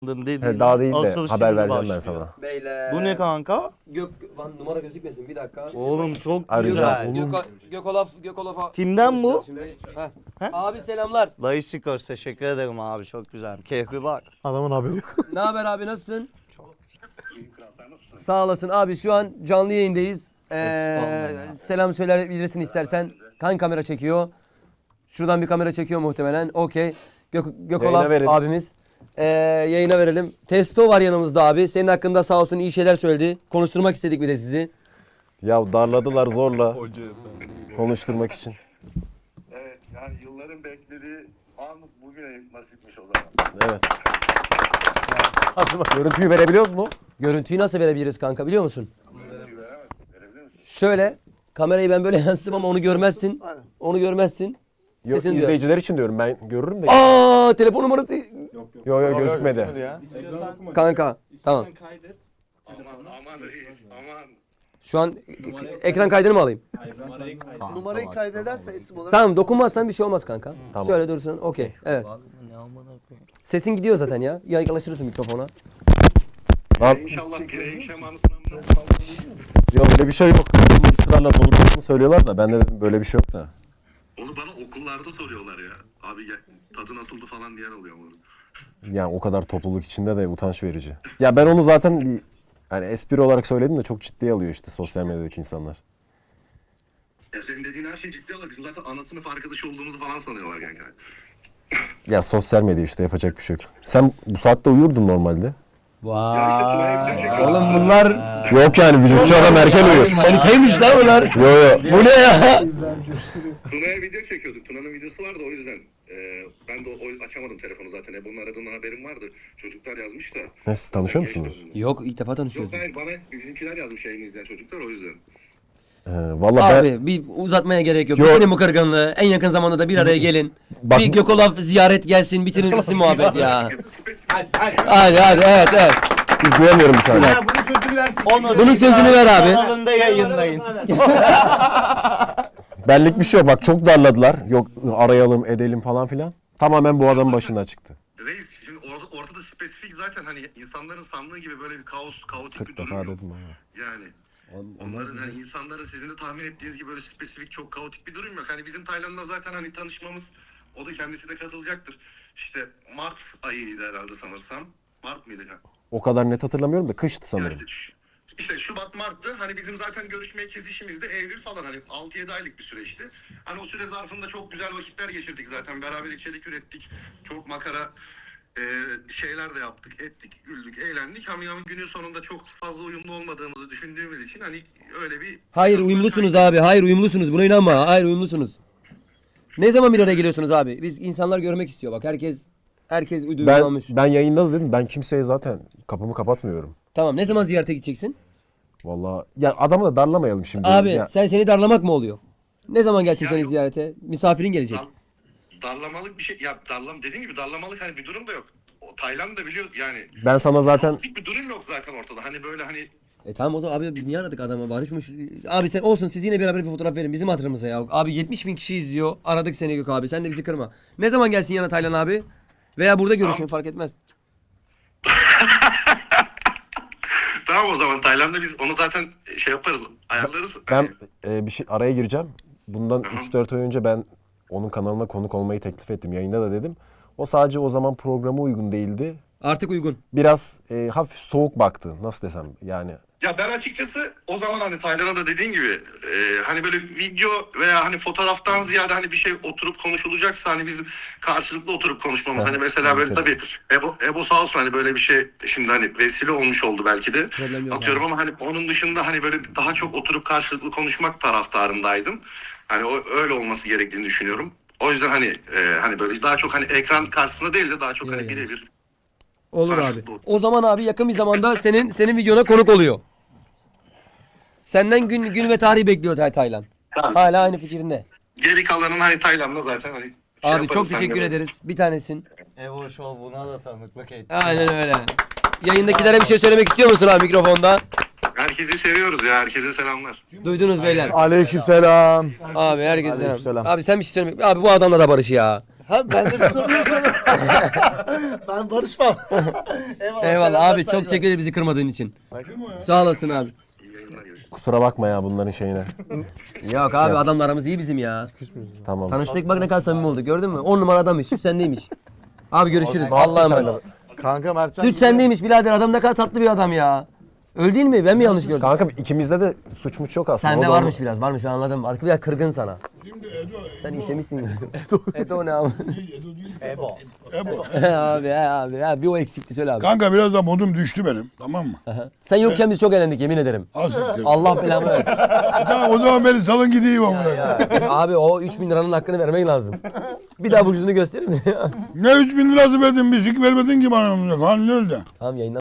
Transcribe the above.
He, daha değil de Asıl haber şimdi vereceğim ben başlıyor. sana. Beyler. Bu ne kanka? Lan numara gözükmesin bir dakika. Oğlum çok Arayacağım. güzel. Gökolaf'a. Kimden bu? Heh. Abi selamlar. Dayı Sikos teşekkür ederim abi çok güzel. Keyfi bak. Adamın haberi yok. Ne haber abi nasılsın? Sağ olasın abi şu an canlı yayındayız. Selam söyleyebilirsin istersen. Hangi kamera çekiyor? Şuradan bir kamera çekiyor muhtemelen. Okey. Gökolaf Yayına verelim. abimiz. Yayına verelim. Testo var yanımızda abi. Senin hakkında sağ olsun iyi şeyler söyledi. Konuşturmak istedik bir de sizi. Ya darladılar zorla konuşturmak için. Evet, yani yılların beklediği an bugüne nasipmiş o zaman. Evet. Görüntüyü verebiliyoruz mu? Görüntüyü nasıl verebiliriz kanka biliyor musun? Verebilir misin? Şöyle kamerayı ben böyle yansıtım ama onu görmezsin. Onu görmezsin. Yok, Sesini izleyiciler için diyorum, ben görürüm de. Aa telefon numarası. Yok gözükmedi. Kanka tamam. Aman reis, aman. Şu an ekran kaydını mı alayım? Numarayı kaydederse isim olarak. Tamam dokunmazsan bir şey olmaz kanka. Tamam. Şöyle dursun okey. Evet. Sesin gidiyor zaten ya. Yaklaşırsın mikrofona. Lan, İnşallah pireyim şemanısından. yok öyle bir şey yok. Bunu ısrarla doldurduğunu söylüyorlar da ben de dedim böyle bir şey yok da. Onu bana okullarda soruyorlar ya. Abi gel, tadı nasıldı falan diyen oluyor mu? Yani o kadar topluluk içinde de utanç verici. Ya ben onu zaten bir yani espri olarak söyledim de çok ciddiye alıyor işte sosyal medyadaki insanlar. Ya senin dediğin her şey ciddi alır. Bizim zaten ana sınıf arkadaşı olduğumuzu falan sanıyorlar kanka. Ya sosyal medya işte, yapacak bir şey yok. Sen bu saatte uyurdun normalde. Ya işte Tuna'ya video çekiyorum. Oğlum bunlar Yok yani vücutçu adam erken uyur. manitaymış lan bunlar. Yo. Bu ne ya? Tuna'ya video çekiyorduk. Tuna'nın videosu vardı o yüzden. Ben de açamadım telefonu zaten. Ebon'un aradığından haberim vardı. Çocuklar yazmış da. Ne, siz tanışıyor musunuz? Yok ilk defa tanışıyoruz. Yok hayır, bana bizimkiler yazmış yayını izleyen çocuklar o yüzden. Vallahi ben Abi bir uzatmaya gerek yok. Yok. Bitirin bu kırgınlığı. En yakın zamanda da bir araya gelin. Bak- Bir Gökolaf ziyaret gelsin. Bitirin gitsin muhabbet ya. Spesifik. Hadi evet. duyamıyorum bir saniye. Bunun sözünü versin. Bunun sözünü ver abi. Kanalında yayınlayın. Benlik bir şey yok. Bak çok darladılar. Yok arayalım edelim falan filan. Tamamen bu adamın başına çıktı. Reis şimdi ortada spesifik zaten hani insanların sandığı gibi böyle bir kaotik 40 bir durum defa yok. dedim ha. Yani onların hani insanların sizin de tahmin ettiğiniz gibi böyle spesifik çok kaotik bir durum yok. Hani bizim Tayland'la zaten hani tanışmamız, o da kendisi de katılacaktır. İşte Mart ayıydı herhalde sanırsam. Mart mıydı? O kadar net hatırlamıyorum da kıştı sanırım. Yani işte Şubat Mart'tı. Hani bizim zaten görüşmeye kesişimiz de Eylül falan, hani 6-7 aylık bir süreçti. Hani o süre zarfında çok güzel vakitler geçirdik zaten. Beraber içerik ürettik. Çok makara şeyler de yaptık, ettik, güldük, eğlendik. Ama günün sonunda çok fazla uyumlu olmadığımızı düşündüğümüz için hani öyle bir... Hayır uyumlusunuz abi. Hayır uyumlusunuz. Buna inanma. Hayır uyumlusunuz. Ne zaman bir araya geliyorsunuz abi? Biz insanlar görmek istiyor bak. Herkes uyumlanmış. Ben yayında da dedim, ben kimseye zaten kapımı kapatmıyorum. Tamam ne zaman ziyarete gideceksin? Vallahi ya adamı da darlamayalım şimdi. Abi Ya, seni darlamak mı oluyor? Ne zaman gelsin Ya seni yok. ziyarete? Misafirin gelecek. Darlamalık bir şey, ya dediğim gibi darlamalık hani bir durum da yok. O Tayland da biliyor yani. ben sana zaten Bir durum yok zaten ortada. Hani böyle hani Tamam o zaman abi biz niye aradık adamı? Barışmış. Abi sen olsun siz yine beraber bir fotoğraf verin bizim hatırımıza ya. Abi 70.000 kişi izliyor. Aradık seni Gök abi. Sen de bizi kırma. Ne zaman gelsin yana Taylan abi? Veya burada görüşün Tamam. fark etmez. tamam o zaman Tayland'da biz onu zaten şey yaparız, ayarlarız. ben Hani, bir şey araya gireceğim. Bundan 3-4 ay önce ben onun kanalına konuk olmayı teklif ettim. Yayında da dedim. O sadece o zaman programa uygun değildi. Artık uygun. Biraz hafif soğuk baktı. Nasıl desem yani. ya ben açıkçası o zaman hani Tayland'a da dediğin gibi hani böyle video veya hani fotoğraftan ziyade hani bir şey oturup konuşulacaksa hani bizim karşılıklı oturup konuşmamız. Evet, Hani mesela böyle tabii Ebo sağ olsun hani böyle bir şey şimdi hani vesile olmuş oldu belki de. Problem yok Atıyorum ama hani onun dışında hani böyle daha çok oturup karşılıklı konuşmak taraftarındaydım. Hani öyle olması gerektiğini düşünüyorum. O yüzden hani böyle daha çok hani ekran karşısında değil de daha çok hani Yani. birebir. Olur abi. Karşılıklı otur. O zaman abi yakın bir zamanda senin videona konuk oluyor. Senden gün ve tarih bekliyor Taylan. Tamam. Hala aynı fikrinde. Geri kalanın hani Tayland'da zaten hani Abi yaparız çok teşekkür seninle. ederiz. Bir tanesin. Evo Show buna da tanıklık etti. Aynen öyle. Yayındakilere bir şey söylemek istiyor musun abi mikrofonda? Herkesi seviyoruz ya. Herkese selamlar. Duydunuz beyler. Aleykümselam. Abi herkese selam. Aleykümselam. Abi sen bir şey söylemek. Abi bu adamla da barış ya. Ha ben de bir soru yok sana. Ben barışmam. Eyvallah. Eyvallah selamlar, abi çok saygılar. teşekkür ederim bizi kırmadığın için. Sağ olasın abi. İyi yayınlar, görüşürüz. Kusura bakma ya bunların şeyine. Yok abi adamla aramız iyi bizim ya. Tamam. Tanıştık bak ne kadar samimi olduk gördün mü? 10 numara adammış süt sendeymiş. Abi görüşürüz Allah'a emanet. Kanka Mertcan Süt sendeymiş birader adam ne kadar tatlı bir adam ya. Öyle değil mi? Ben mi yanlış gördüm? Kanka ikimizde de suçmuş yok aslında. Sende O da varmış biraz varmış ben anladım. Arka biraz kırgın sana. Şimdi Edo. Sen işemişsin. Edo ne abi? Edo değil. Ebo. Ebo. abi bir o eksikti söyle abi. Kanka biraz da modum düştü benim. Tamam mı? Sen yokken biz çok eğlendik yemin ederim. Az siktir. Allah belamı versin. Tamam o zaman beni salın gideyim amına. Abi o 3.000 liranın hakkını vermek lazım. Bir daha burcunu gösterir mi? Ne 3.000 lirası verdin bir sik vermedin ki bana amına. Kan öyle. Tamam yayından